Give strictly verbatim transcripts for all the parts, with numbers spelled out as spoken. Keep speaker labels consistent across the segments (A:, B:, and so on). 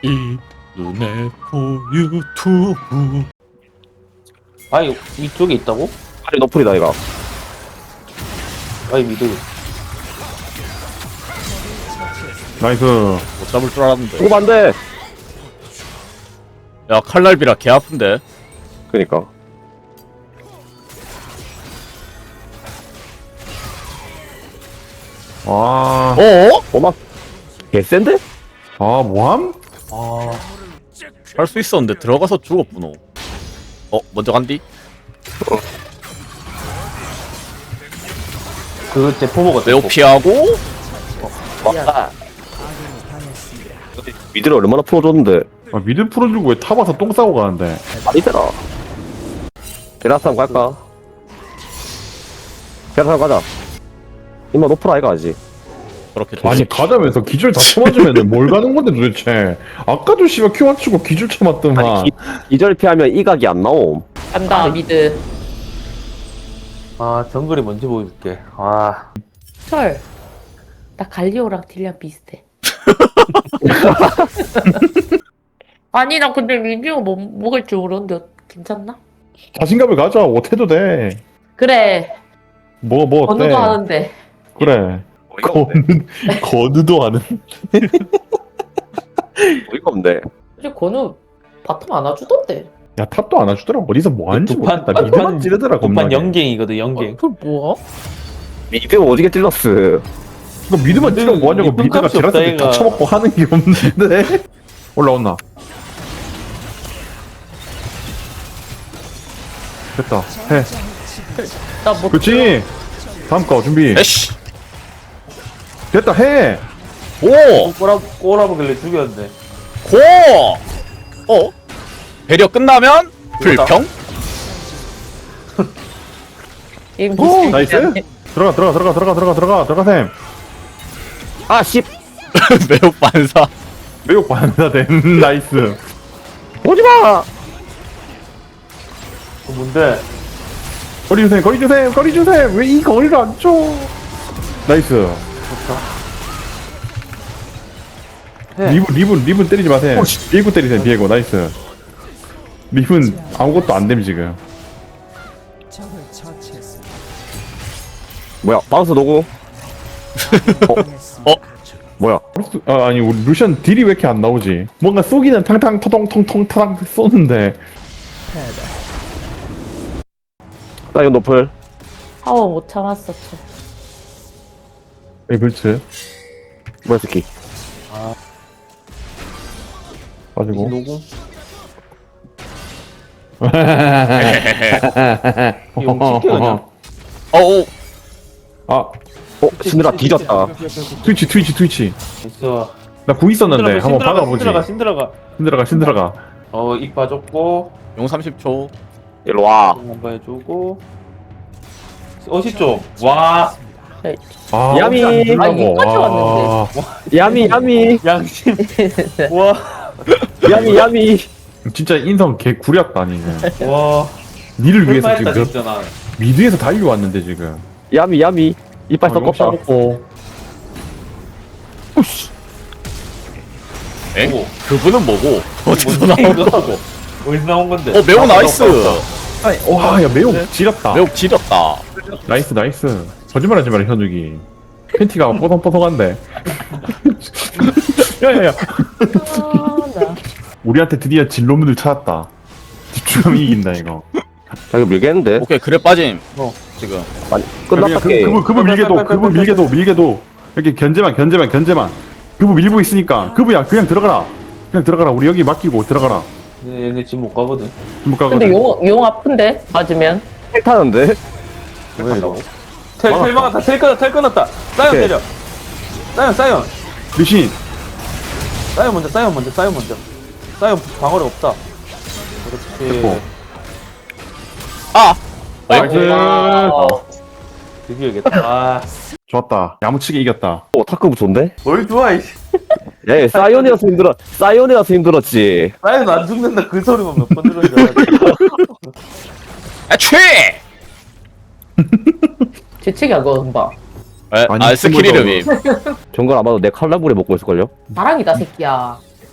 A: 이 눈에 보 유튜브.
B: 아니 위쪽에 있다고?
C: 아니 너플이다 이거.
B: 아니 미드.
A: 나이스.
D: 못 잡을 줄 알았는데.
C: 죽으면 안돼.
D: 야 칼날비라 개 아픈데.
C: 그니까
A: 아,
D: 어?
C: 오막 개센데?
A: 아 뭐함?
B: 아
D: 할 수 있었는데 들어가서 죽었구노. 어 먼저 간디?
B: 그 대포보가
D: 매우 피하고.
C: 왔다. 미드를 얼마나 풀어줬는데.
A: 아, 미드 풀어주고 왜 타봐서 똥 싸고 가는데?
C: 아니잖아. 베라스함 갈까? 베라스함 가자. 임마 노플 아이가 아직.
D: 그렇게
A: 아니
D: 되지.
A: 가자면서 기줄 다 쳐맞으면 뭘 가는 건데 도대체? 아까도 씨발 큐 맞추고 기줄 쳐맞더만.
C: 아니 기, 기절 피하면 이각이 안 나옴.
E: 간다 미드.
B: 아 정글이 뭔지 보여줄게. 아
E: 철. 나 갈리오랑 딜량 비슷해. 아니 나 근데 리뷰 뭐 먹을 줄 모르는데 괜찮나?
A: 자신감을 가져. 못해도 돼.
E: 그래.
A: 뭐 뭐 어때?
E: 언어도 하는데.
A: 그래. 거느 거느도 하는.
C: 어이가 없네.
E: 이제 건우 바텀 안아주던데.
A: 야 탑도 안 와주더라. 어디서 뭐 하는지
B: 두판
A: 모르겠다. 미드만 찌르더라.
B: 두판
A: 겁나게.
B: 영갱이거든 영갱.
E: 그 뭐야?
C: 미드 오지게 찔렀어.
A: 이거 미드만 찌르면 뭐하냐고.
B: 미드
A: 미드가
B: 값이 없다,
A: 지라스 다
B: 얘가.
A: 쳐먹고 하는 게 없는데. 올라온나? 됐다. 해.
E: 나뭐
A: 그렇지. 다음 거 준비.
D: 에쉬.
A: 됐다. 해.
D: 오.
B: 꼬라 꼬라보길래 죽였는데.
D: 고. 어? 배려 끝나면 불평?
A: 오 나이스. 들어가 들어가 들어가 들어가 들어가 들어가 들어가 셈.
C: 아 씨.
D: 매우 반사.
A: 매우 반사됨. 나이스.
C: 오지마.
B: 그 뭔데?
A: 거리 주셈 거리 주셈 거리 주셈. 왜 이 거리를 안 줘? 나이스.
B: 해.
A: 리븐 리븐 리븐 때리지 마세요. 비에고 때리세요. 비에고 나이스. 리븐 아무것도 안 됨 지금.
C: 뭐야 바운스 노고.
D: 어?
C: 뭐야?
A: 아 아니 우리 루션 딜이 왜 이렇게 안 나오지? 뭔가 쏘기는 탕탕 터덩텅텅 타당 쏘는데.
C: 사이언 노플.
E: 파워 못 참았어. 철.
A: 에 그렇지.
C: 뭐야 새끼.
A: 가지고.
B: 노공. 용 찍게 그냥.
D: 어우.
A: 아
C: 어 신드라 뒤졌다.
A: 트위치 트위치 트위치.
B: 있어.
A: 나 구 있었는데 한번 받아보지.
B: 신들어가 신들어가.
A: 신들어가 신들어가.
B: 어입 봐줬고
D: 용 삼십 초.
C: 일로 와.
B: 한번 해주고. 어시 좀. 와
A: 아
C: 야미.
A: 안
E: 아,
A: 주려고.
E: 이거까지
A: 아,
C: 야미 야미
B: 양심. 와
C: 야미 야미.
A: 진짜 인성 개 구렸다 아니.
B: 와.
A: 니를 위해서
B: 설마했다
A: 지금
B: 진짜 나.
A: 미드에서 달려왔는데 지금.
C: 야미 야미. 이빨 섞었다.
A: 먹고.
D: 에?
B: 오.
D: 그분은 뭐고? 어디서 나온 거고?
B: 어디서 나온 건데?
D: 어 매우 나이스.
A: 와야 매우 지렸다.
D: 매우 지렸다.
A: 나이스 나이스. 거짓말하지 마라 현욱이. 팬티가 뽀송뽀송한데. 야야야.
E: 아, 나.
A: 우리한테 드디어 진로문을 찾았다. 집중하면 이긴다 이거.
C: 자 이거 밀겠는데?
D: 오케이 그래 빠짐.
B: 어.
D: 지금.
C: 아니
A: 그냥
C: 끝났다
A: 그,
C: 게임.
A: 그분 그분 밀게도 그분 밀게도 밀게도 이렇게 견제만 견제만 견제만. 그분 밀고 있으니까 그분야 그냥 들어가라. 그냥 들어가라. 우리 여기 맡기고 들어가라.
B: 얘네 얘네 지금 못 가거든.
A: 못 가거든.
E: 근데 용, 용 아픈데? 맞으면?
C: 텔 타는데?
B: 왜 이러고? 텔, 텔 막았다, 텔 끊었다, 텔 끊었다. 사이언
C: 오케이.
B: 때려. 사이언, 사이언.
A: 리신.
B: 사이언 먼저, 사이언 먼저, 사이언 먼저. 사이언 방어력 없다. 그렇지.
A: 됐고.
D: 아.
A: 나이스.
E: 와.
B: 드디어 이겼다. 아,
A: 좋았다. 야무치게 이겼다.
C: 오 타크부 좋은데?
B: 뭘 좋아, 이씨.
C: 야 사이언이라서 힘들어. 사이언이라서 힘들었지.
B: 사이언 안 죽는다, 그 소리만 몇 번 들은 줄 알았지.
D: 애취.
E: 재채기 안 거는 봐.
D: 에,
A: 아니,
D: 아 스킬
A: 스물다섯.
D: 이름이.
C: 정글 아마도 내 칼라불에 먹고 있을걸요?
E: 나랑이다 새끼야.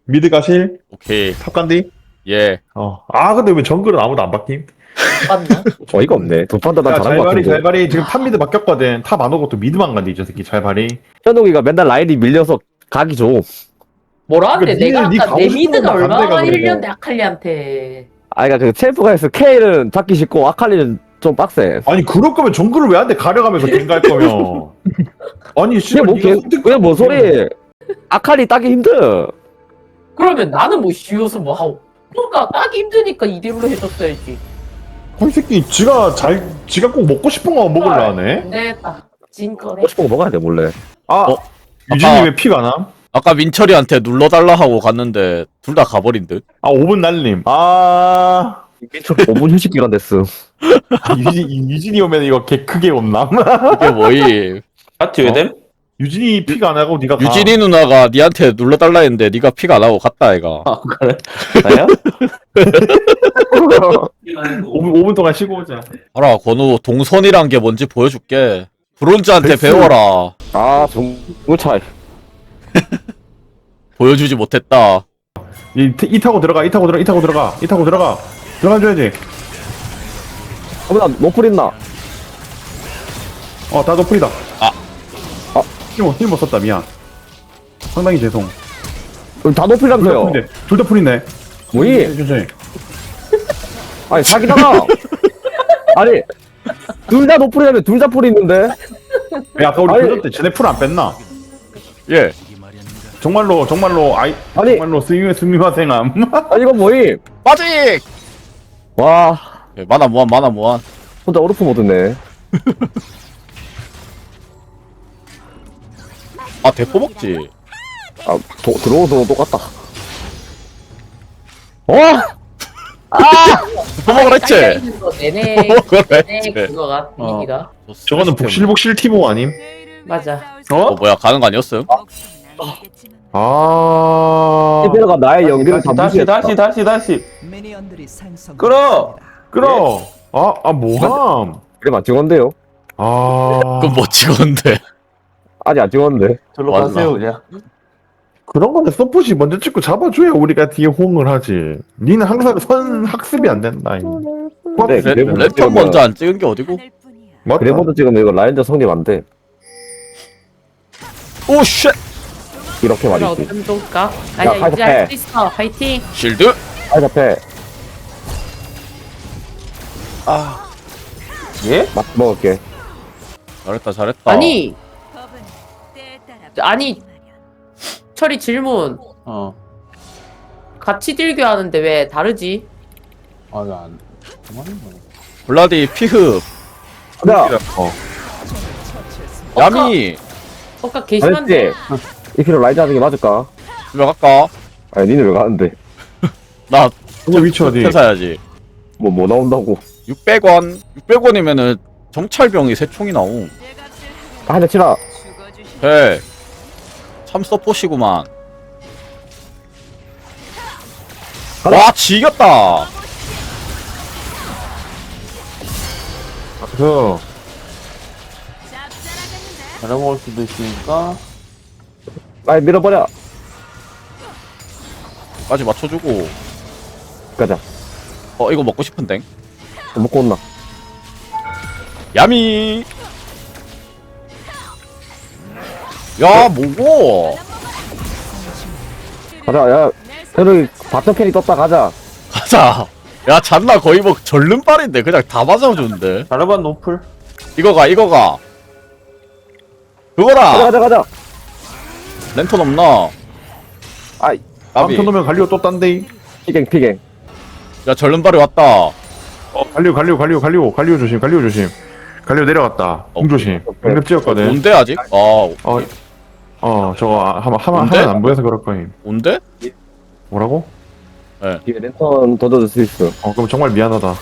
F: 미드 가실?
D: 오케이.
F: 탑 간디?
D: 예.
F: 어. 아 근데 왜 정글은 아무도 안 바뀜?
E: 맞나?
C: 어이가 없네. 두 판 다 난
F: 야
C: 잘한 것
F: 잘발이
C: 같은데.
F: 잘발이 지금 탑 미드 바뀌었거든. 탑 안 오고 또 미드만 간디 저 새끼 잘발이.
C: 현욱이가 맨날 라인이 밀려서 가기 좀.
E: 뭐라 하는데
F: 그러니까
E: 내가
F: 니네
E: 아까
F: 니
E: 내
F: 가고
E: 미드가
F: 싶은
E: 얼마나
F: 반대가
E: 많이
F: 그리고.
E: 흘렸는데 아칼리한테.
C: 아, 그니까 그 챔프가 해서 K는 잡기 쉽고 아칼리는 좀 빡세.
F: 아니 그럴 거면 정글을 왜 안 돼? 가려가면서 갱갈 거면. 아니
C: 그게
F: 씨발
C: 뭐,
F: 니가
C: 개,
F: 선택.
C: 그게 뭐 소리. 아칼리 따기 힘들어.
E: 그러면 나는 뭐 쉬워서 뭐 하고. 그러니까 따기 힘드니까 이대로 해줬어야지.
F: 이 새끼 지가 잘 지가 꼭 먹고 싶은 거 먹으려 하네.
E: 안 되겠다. 진 거네.
C: 먹고 싶은 거 먹어야 돼, 몰래.
F: 아
D: 어?
F: 유진이
D: 아까-
F: 왜 피가 안 남?
D: 아까 민철이한테 눌러달라 하고 갔는데 둘 다 가버린 듯.
F: 아 오 분 날림. 아
C: 민철 오 분 휴식 기간 됐음.
F: 유진 유진이 오면 이거 개 크게 온남.
D: 이게 뭐이?
B: 파티 왜 됨?
F: 유진이 피가 안 하고 네가 가.
D: 유진이 누나가 니한테 눌러달라 했는데 니가 피가 안 하고 갔다 애가.
B: 아 그래? 나야?
F: 오 분 오 분 동안 쉬고 오자.
D: 알아 건우 동선이란 게 뭔지 보여줄게. 브론즈한테
F: 백수.
D: 배워라.
C: 아, 정말 차이.
D: 보여주지 못했다.
F: 이, 이 타고 들어가. 이 타고 들어가. 이 타고 들어가. 이 타고 들어가. 들어가줘야지.
C: 어, 나 노플 있나?
F: 어, 다 도플이다.
D: 아.
C: 아.
F: 힘못 힘못 썼다. 미안. 상당히 죄송.
C: 여기 다
F: 둘 다
C: 노플이라면서요.
F: 풀인데. 둘 다 풀이네.
C: 뭐니?
F: 천천히.
C: 아니, 사기다가. 아니, 둘 다 노플이라면 둘 다 풀이 있는데?
F: 야, 아까 우리
C: 아니.
F: 교전 때 쟤네 풀 안 뺐나?
D: 예.
F: 정말로 정말로 아이
C: 아니.
F: 정말로 스미 스미마생함.
C: 아, 이건 뭐이?
D: 빠직.
C: 와,
D: 예, 만화 무한 만화 무한.
C: 혼자 오르프 모드네.
D: 아 대포 먹지.
C: 아, 도, 들어오도 똑같다. 어?
D: 대포 먹으라 했지.
E: 있는 거 내내
D: 먹으라
E: 내내
D: 했지.
E: 그거가
B: 어.
E: 미니가
F: 저거는 복실복실 티모 아님?
E: 맞아.
D: 어 뭐야 가는 거 아니었음?
F: 아.
C: 티베르가 나의 연기를 다
B: 다시
C: 무시했다.
B: 다시 다시 다시
G: 미니언들이 생성.
B: 끌어!
F: 끌어. 아, 아 뭐함?
C: 그래, 안 찍었는데요?
F: 아.
D: 그럼 뭐 찍었는데.
C: 아직 안 찍었는데.
B: 절로
D: 맞나?
B: 가세요 그냥.
F: 그런 건데 서폿이 먼저 찍고 잡아줘야 우리가 뒤에 호응을 하지. 니는 항상 선 학습이 안 된다. 이.
C: 네,
D: 레,
C: 그래,
D: 랜턴 먼저 안 찍은 게 어디고?
F: 맞다.
C: 그래보드 찍으면 이거 라인전 성립 안 돼.
D: 오 쉣.
C: 이렇게
E: 그럼
C: 말이지.
E: 어쩜 좋을까? 아니야
C: 가자,
E: 이제
C: 해.
E: 할 수 있어. 화이팅.
D: 실드.
C: 아이, 앞에
B: 예?
C: 맛 먹을게.
D: 잘했다 잘했다.
E: 아니 아니 철이 질문.
B: 어.
E: 같이 딜교 하는데 왜 다르지?
B: 아니 안. 그만해.
D: 블라디 피흡.
C: 야,
F: 어.
D: 야미.
E: 아까 게시판데
C: 알았지? 이 필요 라이즈 하는 게 맞을까?
D: 집에 갈까?
C: 아니, 니는 왜 가는데?
D: 나
F: 그거 위치 어디?
D: 회사야지.
C: 뭐, 뭐 나온다고.
D: 육백 원. 육백 원이면은 정찰병이 세 총이 나옴.
C: 아, 한대 치라.
D: 해. 참 서포시구만.
C: 가자.
D: 와 지겼다.
F: 그
B: 잘해먹을 수도 있으니까.
C: 아이, 밀어버려.
D: 까지 맞춰주고.
C: 가자.
D: 어 이거 먹고 싶은데.
C: 먹고 온나.
D: 야미. 야 뭐고?
C: 가자, 야. 현욱이 바텀 캐리 떴다, 가자.
D: 가자. 야 잔나 거의 뭐 절름발인데 그냥 다 맞아주는데.
B: 잘해봐 노플.
D: 이거가 이거가.
C: 가자,
D: 그거라.
C: 가자, 가자.
D: 랜턴 없나?
C: 아이,
D: 까비.
F: 암튼 오면 갈리오 또 딴데.
C: 피갱, 피갱.
D: 야 절름발이 왔다.
F: 어, 갈리오 갈리오 갈리오 갈리오 갈리오 조심. 갈리오 조심. 갈리오 내려갔다. 공 조심. 공격 찍었거든.
D: 온대 아직? 아
F: 어. 어, 저거 하면 하면
D: 뭔데?
F: 하면 안 보여서 그럴 거임.
D: 온대?
F: 뭐라고?
C: 뒤에 랜턴 던져줄 수 있어.
F: 어, 그럼 정말 미안하다.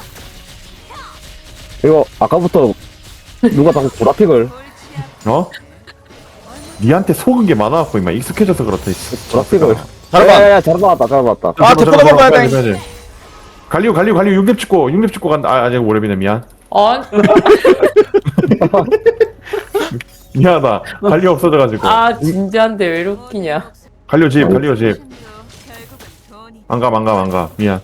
C: 이거, 아까부터 누가 자꾸 보라픽을.
F: 어? 니한테 속은 게 많아갖고 임마 익숙해져서 그렇다.
C: 보라픽을.
D: 잘봐.
C: 야야야, 잘 봤다, 잘 봤다.
D: 아, 대포 먹어야 돼.
F: 갈리오 갈리오 갈리오 육렙 찍고 육렙 찍고 간다. 아, 아직 오렙이네 미안.
E: 어?
F: 미안하다. 갈리오 없어져가지고.
E: 아 진지한데 왜 이렇게 웃기냐?
F: 갈리오 집 갈리오 집. 안 가, 안 가, 안 가. 미안.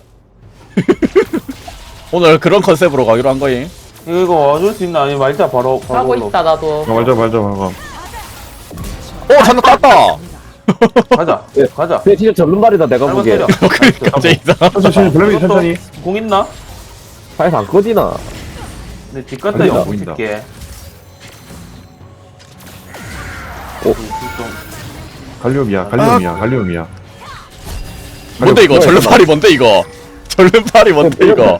D: 오늘 그런 컨셉으로 가기로 한 거임.
B: 이거 이거 와줄 수 있나? 아니 말자 바로 바로
E: 하고
B: 올라.
E: 있다 나도.
F: 아, 말자, 말자, 말자.
D: 오 잔나 땄다.
B: 가자
C: 예.
B: 가자.
C: 근데 진짜 전륜발이다 내가
B: 잘못
C: 보기에.
B: 때려.
D: 갑자기 이상.
F: 천천히, 블랙이 천천히.
B: 공 있나?
C: 파이서 안 꺼지나?
B: 근데 뒷갔다
F: 아니다,
B: 형
F: 보인다.
B: 붙일게.
C: 오.
F: 갈리움이야, 갈리움이야, 갈리움이야.
D: 뭔데 이거? 전륜팔이 뭔데 이거? 전륜팔이 뭔데 이거?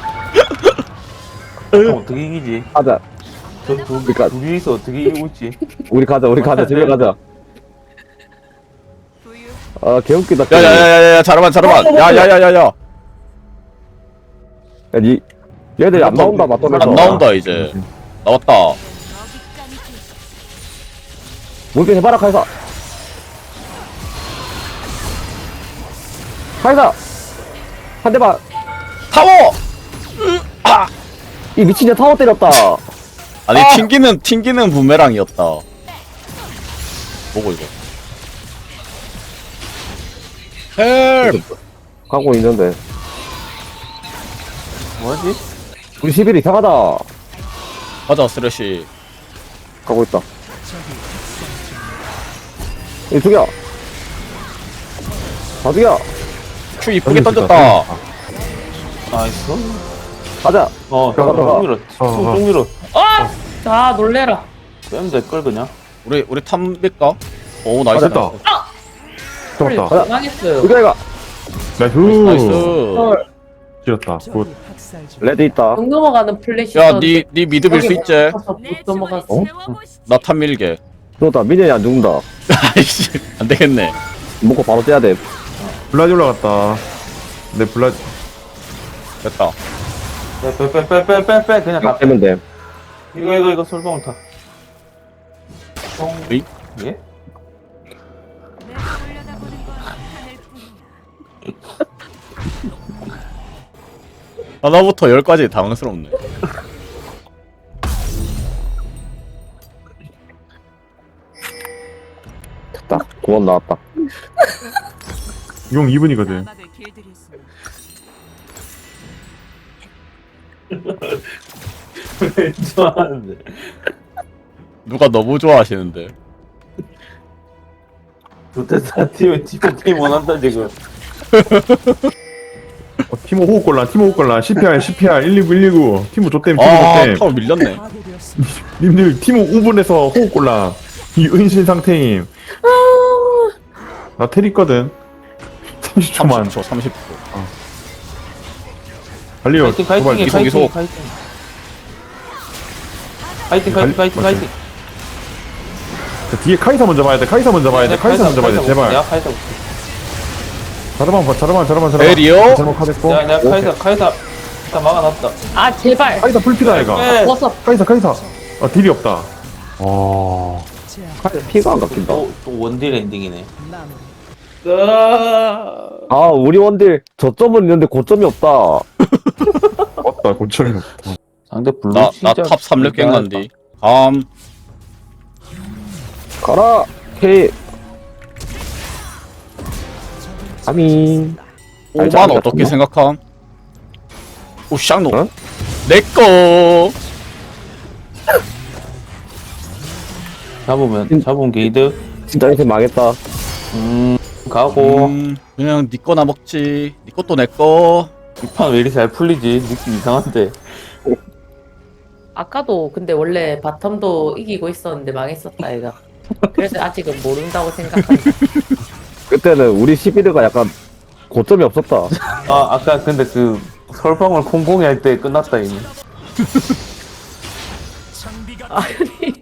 B: 형 어떻게 이기지?
C: 가자.
B: 저두
C: 그러니까-
B: 두 명이서 어떻게 이기고 있지?
C: 우리 가자 우리 가자 집에 가자. 아 개웃기다.
D: 야야야야야 잠깐만 잠깐만. 야야야야야.
C: 야, 니 얘들이 안 나온다 맞다면서.
D: 안 나온다 이제. 나왔다.
C: 뭔데 해봐라 카이사. 카이사. 한 대만.
D: 타워.
C: 이 미친년 타워 때렸다.
D: 아니 튕기는 튕기는 부메랑이었다. 뭐고 이거? 헬.
C: 가고 있는데.
B: 뭐지?
C: 우리 십일 이상하다.
D: 가자 쓰레쉬.
C: 가고 있다. 이 죽여. 다 죽여.
D: 큐 이쁘게 던졌다.
B: 나이스.
C: 가자.
B: 어,
C: 들어가, 들어가.
B: 쭉 밀어.
F: 어, 어.
B: 쭉 밀어.
E: 아, 아 놀래라.
B: 빼면 될걸 그냥.
D: 우리 우리 탐백가? 오 나이스.
F: 됐다. 잡았다.
C: 가자.
E: 망했어요.
C: 죽여 이거.
F: 나이스.
D: 나이스.
F: 길었다. 굿.
C: 레드 있다.
E: 용 넘어가는 플래시.
D: 야니 니 미드 빌 수 있지?
E: 못 넘어갔어.
C: 어?
D: 나 탐 밀게.
C: 죽었다. 민현이 안 죽는다.
D: 아이씨 안 되겠네.
C: 먹고 바로 떼야 돼.
F: 블라디 올라갔다. 내 블라디.
D: 됐다.
B: 빼빼빼빼빼빼 그냥 가.
C: 빼면 돼.
B: 이거 이거 이거 솔방울 타.
D: 으이?
B: 예?
D: 하나부터 열까지 당황스럽네.
C: 됐다. 구원 나왔다.
F: 용 이 분이거든.
B: 좋아하는데.
D: 누가 너무 좋아하시는데.
B: 좋댔다. 팀 팀 팀 원한다 지금.
F: 어, 티모 호흡곤란, 티모 호흡곤란. 씨피알, 씨피알, 일이구, 일이구. 티모 좆댐, 티모
D: 아
F: 좆댐.
D: 타워 밀렸네.
F: 님들 티모 오 분에서 호흡곤란. 이 은신 상태임. 나 텔 있거든. 삼십 초만.
D: 삼십 초 삼십 초.
F: 갈리오.
B: 파이팅
F: 도발.
B: 파이팅해
D: 이속,
B: 파이팅
D: 이속.
B: 파이팅. 파이팅 파이팅 파이팅
F: 맞지?
B: 파이팅.
F: 자, 뒤에 카이사 먼저 봐야 돼. 카이사 먼저 봐야 돼. 카이사 먼저 봐야 돼. 제발.
B: 내가 카이사 볼게.
F: 자르만 봐. 자르만, 자르만, 자르만.
D: 에리오?
F: 잘못 카됐고.
B: 내가 내가 카이사 카이사 다 막아놨다.
E: 아 제발.
F: 카이사 풀피다 얘가.
B: 빼.
E: 벗어.
F: 카이사, 카이사. 아 딜이 없다. 어.
C: 피가 안 깎인다.
B: 또, 또 원딜 엔딩이네.
C: 아 우리 원딜 저점은 있는데 고점이 없다.
F: 없다. 고점이 없다.
B: 상대 블루
D: 나
B: 진짜
D: 나 탑 삼 렙 갱간디. 감.
C: 가라. 케이. 아민.
D: 오만 어떻게 생각함? 오 샹노.
C: 어?
D: 내꺼.
B: 잡으면
C: 음.
B: 잡으면 게이드.
C: 진짜 인생 망했다.
B: 음 가고
D: 음, 그냥 니 거나 먹지. 니 것도 내 거.
B: 이 판 왜 이리 잘 풀리지? 느낌 이상한데.
E: 아까도 근데 원래 바텀도 이기고 있었는데 망했었다 얘가. 그래서 아직은 모른다고 생각한다.
C: 그때는 우리 십일가 약간 고점이 없었다.
B: 아 아까 근데 그 설방울 콩콩이 할 때 끝났다 이미.
E: 아니.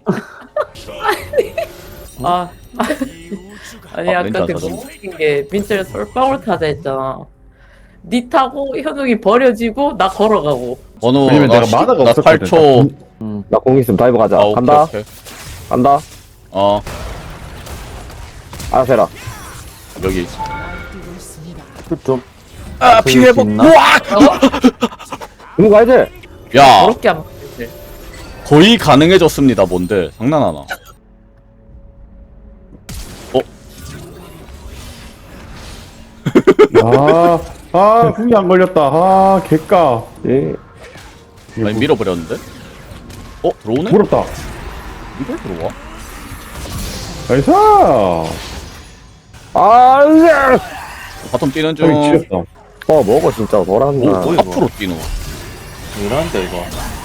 E: 아, 아니
D: 아,
E: 아까
D: 왠지
E: 그
D: 알았어.
E: 너무 웃긴 게 민철이 솔방울 타자 했잖아. 니 타고 현욱이 버려지고 나 걸어가고.
D: 번호
F: 왜냐면
D: 나
F: 내가
D: 십-
F: 마다가
D: 나
F: 없었거든.
D: 팔 초.
C: 나 공 있으면 다이브 가자.
D: 아, 오케이,
C: 간다.
D: 오케이.
C: 간다.
D: 어
C: 알아서 해라.
D: 여기.
B: 좀
D: 아
B: 그
D: 피해복.
B: 있나?
D: 우와.
C: 이거 가야지.
D: 야
E: 그렇게 안 먹지.
D: 거의 가능해졌습니다. 뭔데? 장난하나? 어?
A: 아, 아, 궁이 안 걸렸다. 아, 개까.
C: 예.
A: 이거
D: 아니 밀어버렸는데? 어 들어오네?
A: 부럽다.
D: 이걸 들어와?
A: 나이스!
C: 아, 으아!
D: 바텀 뛰는
A: 저기
D: 중
A: 지렸다.
C: 어, 먹어, 진짜. 너랑
B: 뭐,
C: 나.
B: 뭐 이거?
D: 앞으로 뛰노
B: 이런데 이거.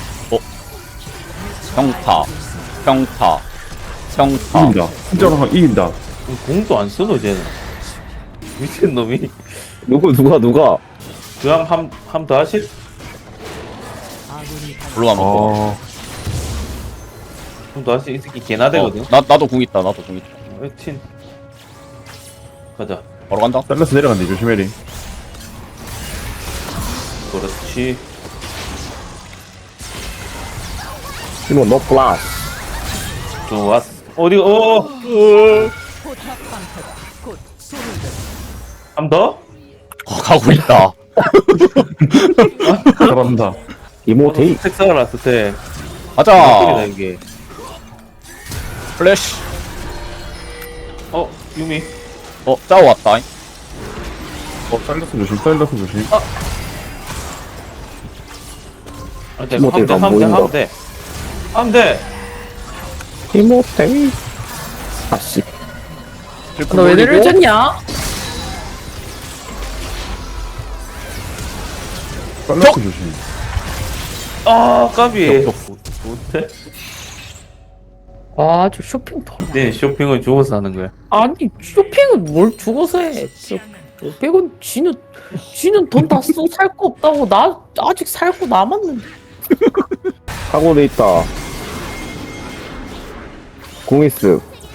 D: 평타 평타 평타
A: 이긴다. 진짜로 한 이긴다.
B: 공도 안 쓰노 쟤는. 미친 놈이.
C: 누구, 누가, 누가?
B: 그냥 함함 더 하실?
D: 물론 먹고
A: 아,
B: 함더 하실 이 새끼 개나 되거든.
D: 어, 나, 나도 궁 있다 나도 궁 있다
B: 어, 친. 가자.
D: 바로 간다
A: 셀러스 내려간다. 조심해리.
B: 그렇지.
C: 이거 너 플러스.
B: 좋았어. 어디 어? 함 더?
D: 어, 가고 있다
A: 잘한다.
C: 이모테이.
B: 색상을 놨을 때.
D: 가자
B: 다 이게.
D: 플래시
B: 어 유미.
D: 어 짜오 왔다
A: 어, 셀러스 조심, 셀러스 조심.
B: 아, 돼.
C: 이모테이가
B: 함대
C: 안
B: 함대
C: 보인다.
B: 함대. 함대.
C: 이모테이. 아씨.
E: 너 왜 내려졌냐?
A: 셀러스 조심.
B: 아 까비.
D: yok,
B: 못해?
E: 아, 저 쇼핑 더.
B: 네 쇼핑을 죽어서 하는 거야.
E: 아니, 쇼핑은 뭘 죽어서 해. 저, 백은 지는, 지는 돈 다 쓰고 살 거 없다고. 나 아직 살 거 남았는데.
C: 사고돼 있다. 공이스.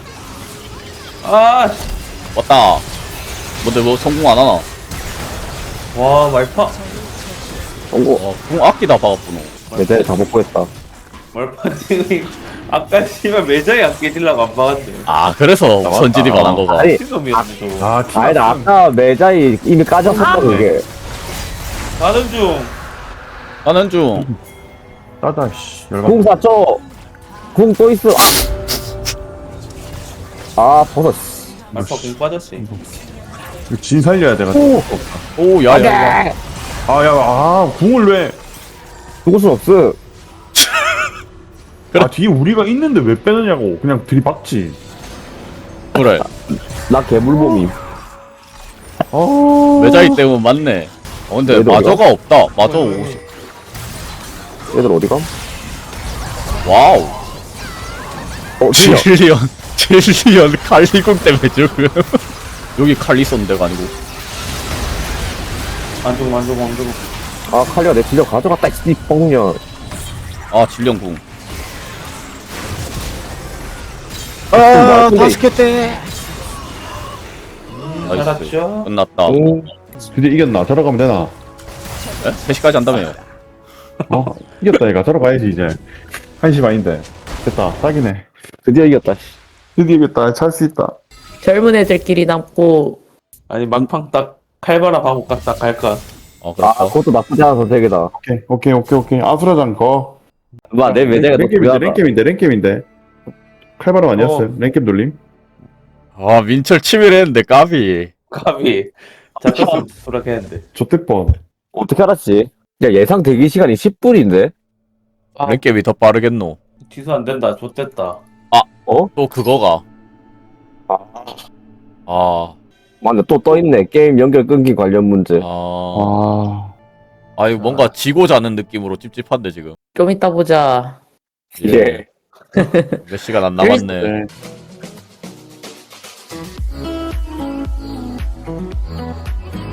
B: 아,
D: 왔다 뭔데 뭐 성공 안 하나
B: 와 말파.
C: 성공.
D: 어, 궁 아끼다 박았구나
C: 매장에 다 먹고 했다.
B: 말파 지금 아까 씨발 매장에 안 깨질라고 안 박았네.
D: 아 그래서
A: 나왔다.
D: 선질이 반한 거가
C: 아니,
B: 지금이었네 저거.
A: 아, 티
C: 아니다, 아까 매장이 이미 까졌었다,
E: 아,
C: 그게.
B: 가는 중.
D: 나는 중
A: 따다, 씨. 열받
C: 궁 샀죠? 궁 또 있어. 아, 버섯.
B: 말파 공 빠졌지.
A: 이거 진 살려야 돼가지고.
C: 오!
D: 오야야야
A: 아, 야, 아, 궁을 왜.
C: 죽을 순 없어.
A: 아, 뒤에 우리가 있는데 왜 빼느냐고. 그냥 들이박지.
D: 그래
C: 나 개물범임.
A: 아.
D: 매자이 때문에 맞네 어 근데
C: 얘도
D: 마저가 없다 마저 오십
C: 얘들 어디가?
D: 와우
C: 어, 진짜.
D: 칠리언 칠리언 칼리궁 때문에 지금 여기 칼리 쏜 데가 아니고
B: 안 죽어 안 죽어 안 죽어.
C: 아, 칼리가 내 진짜 가져갔다, 이 뻥년.
D: 아 질련궁
C: 아,
D: 다섯 개 때. 나이스
B: 살았죠?
D: 끝났다
C: 응.
A: 드디어 이겼나? 저러 가면 되나?
D: 에? 세 시까지 한다며요
A: 어? 이겼다, 얘가. 저러 가야지, 이제. 한 시 반인데. 됐다. 딱이네.
C: 드디어 이겼다, 씨.
A: 드디어 이겼다. 찰 수 있다.
E: 젊은 애들끼리 남고,
B: 아니 막판 딱 칼바람 하고 딱 갈까.
D: 어
C: 아,
D: 그렇다
C: 그것도 나쁘지 않은 선택이다.
A: 오케이, 오케이, 오케이, 오케이. 아수라장 거.
C: 마, 내 매장에 너
A: 랭겜인데,
C: 불려놨다.
A: 랭겜인데, 랭겜인데. 칼바람 아니었어.
B: 어.
A: 랭겜 돌림.
D: 아 민철 치밀했는데 까비
B: 까비. 잡혔으면 수락했는데.
A: 조태뻔.
C: 어떻게 알았지? 야, 예상 대기 시간이 십 분인데?
B: 아,
D: 랭겜이 더 빠르겠노
B: 취소 안 된다. 좆됐다.
D: 또 그거가
C: 아,
D: 아
C: 맞네. 또 떠있네. 게임 연결 끊기 관련 문제.
D: 아,
A: 아.
D: 아, 이거 뭔가 지고 자는 느낌으로 찝찝한데 지금.
E: 좀 이따 보자.
C: 예.
D: 몇 시간 안 남았네.
A: 네.